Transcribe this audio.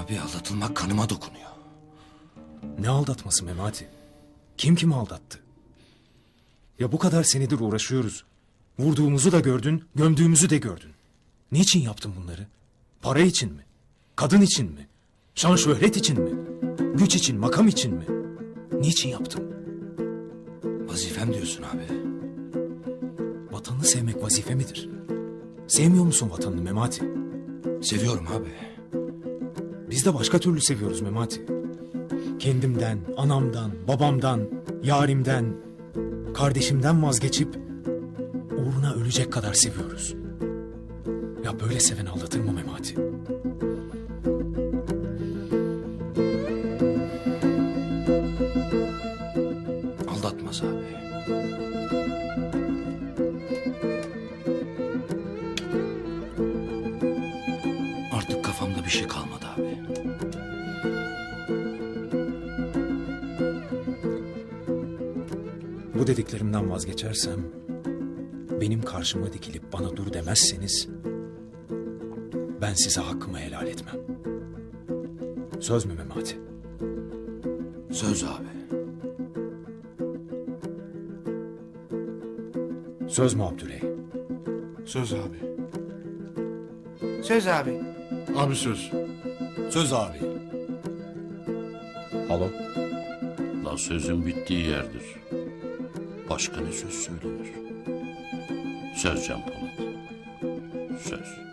Abi aldatılmak kanıma dokunuyor. Ne aldatması Memati? Kim kimi aldattı? Ya bu kadar senedir uğraşıyoruz. Vurduğumuzu da gördün, gömdüğümüzü de gördün. Niçin yaptın bunları? Para için mi? Kadın için mi? Şan şöhret için mi? Güç için, makam için mi? Niçin yaptın? Vazifem diyorsun abi. Vatanını sevmek vazife midir? Sevmiyor musun vatanını Memati? Seviyorum abi. Biz de başka türlü seviyoruz Memati. Kendimden, anamdan, babamdan, yarimden, kardeşimden vazgeçip uğruna ölecek kadar seviyoruz. Ya böyle seven aldatır mı Memati? Aldatmaz abi. Artık kafamda bir şey kalmadı abi. Bu dediklerimden vazgeçersem, benim karşıma dikilip bana dur demezseniz, ben size hakkımı helal etmem. Söz mü Memati? Söz abi. Söz mü Abdüley? Söz abi. Söz abi. Abi söz. Söz abi. Halo? La sözün bittiği yerdir. Başka ne söz söylenir? Söz Can Polat. Söz.